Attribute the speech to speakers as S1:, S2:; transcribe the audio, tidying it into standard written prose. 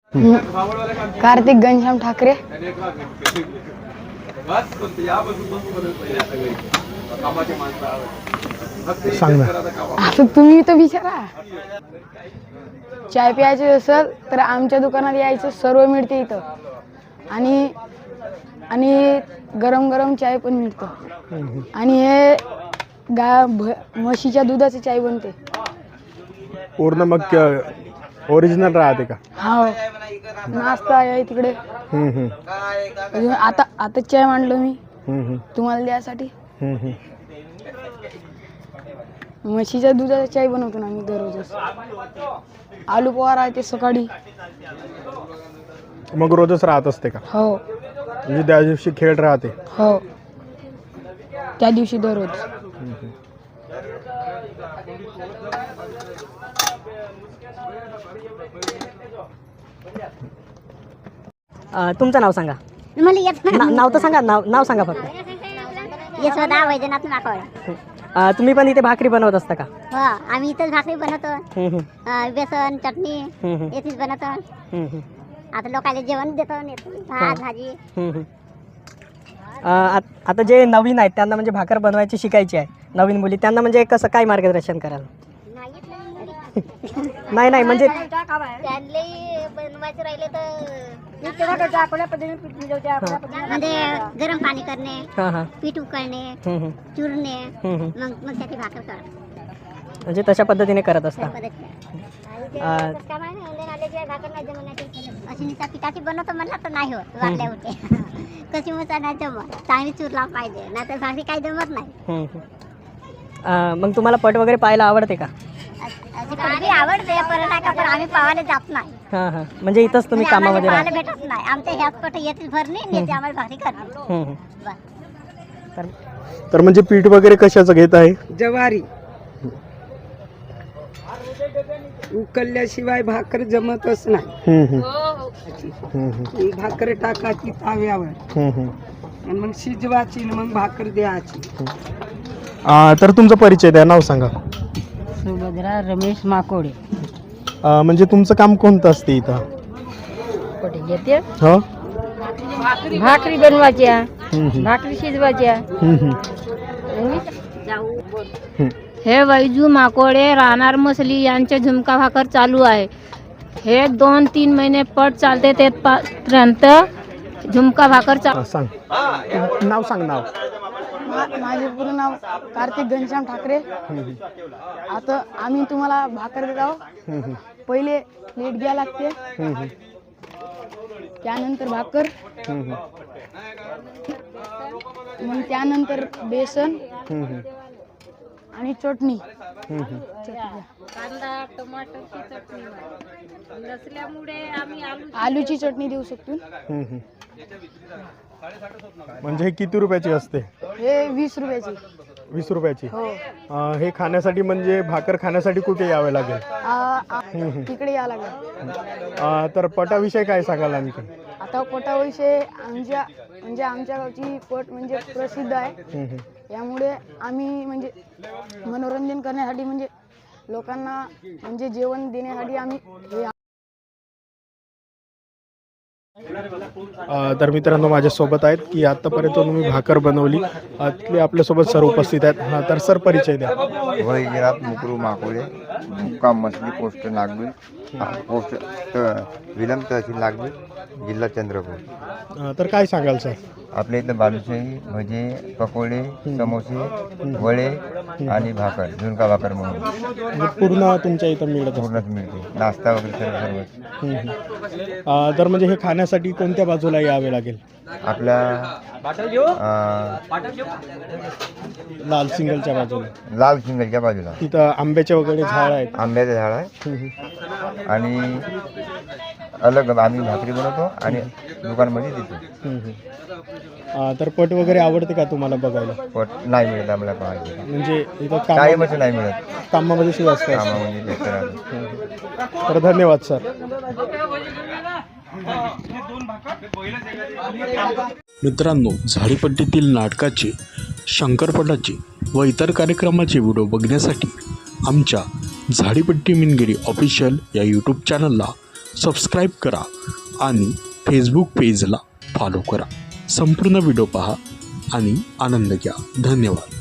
S1: कार्तिक घनश्याम ठाकरे.
S2: सांग ना.
S1: आता तुम्ही तर विचारा. चाय प्यायचे असेल तर आमच्या दुकानात यायचं, सर्व मिळते इथं. आणि आणि गरम गरम चाय पण मिळतं. आणि हे म्हशीच्या दुधाची चाय बनते.
S2: पूर्ण मग ओरिजिनल राहते का?
S1: हो, नाश्ता आहे तिकडे. अजून आता चाय मांडलो मी तुम्हाला द्यासाठी. म्हशीच्या दुधाचा चाय बनवतो ना आम्ही दररोजच. आलू पोहा राहते सकाळी.
S2: मग रोजच राहत असते का?
S1: हो.
S2: म्हणजे त्या दिवशी खेळ राहते?
S1: हो, त्या दिवशी दररोज.
S3: तुमचं नाव सांगा.
S4: मला येत नाही.
S3: नाव तर सांगा. नाव सांगा फक्त.
S4: यशोदा वैजनाथ माकवड.
S3: तुम्ही पण इथे भाकरी बनवत असता का?
S4: हो, आम्ही इथंच भाकरी बनवतो. बेसन चटणी येथेच बनवतो. आता लोकांना जेवण देतो, भात भाजी.
S3: आता जे नवीन आहेत त्यांना म्हणजे भाकर बनवायची शिकायची आहे, नवीन मुली, त्यांना म्हणजे कसं काय मार्गदर्शन कराल? नाही म्हणजे
S4: त्यांनाही बनवायचे राहिले तर म्हणजे गरम पाणी करणे, पीठ उकळणे, चुरणे, मग त्याची भाकर कर.
S3: म्हणजे तशा पद्धतीने करत असता.
S4: अशी पिठाची बनवतो म्हणलं तर नाही होत, वाटल्या होते. कशी मसा नाही जमत, चांगली चुरला पाहिजे, नाही तर भाकरी काही जमत नाही.
S3: मग तुम्हाला पट वगैरे पाहायला आवडते का?
S4: आवडते, पण आम्ही पाहायला जात नाही.
S3: म्हणजे इथंच तुम्ही कामामध्ये
S4: पाहायला भेटत नाही. आमच्या ह्याच पट येतेच भरणे, येते आम्हाला भाकरी करणे.
S2: तर म्हणजे पीठ वगैरे कशाचं घेत आहे?
S5: ज्वारी उकळल्याशिवाय भाकर जमतच नाही. ही भाकर टाकायची ताव्यावर आणि मग शिजवायची, मग भाकर द्यायची.
S2: तर तुमचा परिचय द्या, नाव सांगा.
S6: सुभद्रा रमेश माकोडे.
S2: म्हणजे तुमचं काम कोणतं असते इथं?
S6: कुठे येते?
S2: हो,
S6: भाकरी बनवायच्या, भाकरी शिजवायच्या. हे वैजू माकोडे राहणार मसली यांचे झुमका भाकर चालू आहे. हे 2-3 महिने पट चालते, तेपर्यंत झुमका भाकर
S2: सांग. नाव सांग. नाव.
S1: माझे पूर्ण नाव कार्तिक घनश्याम ठाकरे. आता आम्ही तुम्हाला भाकर देत आहोत. पहिले प्लेट घ्या लागते, त्यानंतर भाकर, मग त्यानंतर बेसन आणि चटणी.
S6: कांदा टमाटरची चटणी नसल्यामुळे आम्ही
S2: आलूची चटणी देऊ शकतो. म्हणजे हे किती रुपयाची असते?
S1: हे 20 रुपयाची.
S2: 20 रुपयाची.
S1: हो.
S2: हे खाण्यासाठी म्हणजे भाकर खाण्यासाठी कुठे यावे लागेल?
S1: तिकडे यावं लागेल.
S2: तर पटाविषयी काय सांगाल आणखी?
S1: आता पटाविषयी आमच्या गावची पट म्हणजे प्रसिद्ध आहे. यामुळे आम्ही म्हणजे मनोरंजन करण्यासाठी, म्हणजे लोकांना म्हणजे जेवण देण्यासाठी आम्ही हे.
S2: तर मित्रांनो, माझ्यासोबत आहेत की आतापर्यंत तुम्ही भाकर बनवली, तिथले आपल्यासोबत सर उपस्थित आहेत. तर सर परिचय द्या.
S7: वैजनाथ मुकरू माकोडे, मुक्काम मसली, पोस्ट नागबीड, पोस्ट विलंब तहसील नागबीड, जिल्हा चंद्रपूर.
S2: तर काय सांगाल सर?
S7: आपल्या इथं बालुशाही, भजे, पकोडे, समोसे, वडे आणि भाकर, झुणका भाकर म्हणून
S2: पूर्ण तुमच्या इथं मिळत
S7: पूर्णच मिळते. नाश्ता वगैरे सर्व.
S2: तर म्हणजे हे खाण्यासाठी कोणत्या बाजूला यावे लागेल?
S7: आपल्या
S2: लाल सिंगलच्या बाजूला.
S7: लाल सिंगलच्या बाजूला
S2: तिथं आंब्याचे वगैरे झाड आहेत.
S7: आंब्याचं झाड आहे. आणि अलग आम्ही भाकरी बनवतो आणि दुकानमध्ये देतो.
S2: तर पट वगैरे आवडते का तुम्हाला बघायला?
S7: पट नाही मिळत आम्हाला पाहायला.
S2: म्हणजे इथं
S7: कायमच नाही मिळत.
S2: कामामध्ये सुरू असतं.
S7: कामामध्ये व्यस्त राहतो.
S2: तर धन्यवाद सर.
S8: मित्रांनो, झाडीपट्टीतील नाटकाचे, शंकरपटाचे व इतर कार्यक्रमाचे व्हिडिओ बघण्यासाठी आमच्या झाडीपट्टी मिनगिरी ऑफिशियल या यूट्यूब चॅनलला सबस्क्राईब करा आणि फेसबुक पेजला फॉलो करा. संपूर्ण व्हिडिओ पहा आणि आनंद घ्या. धन्यवाद.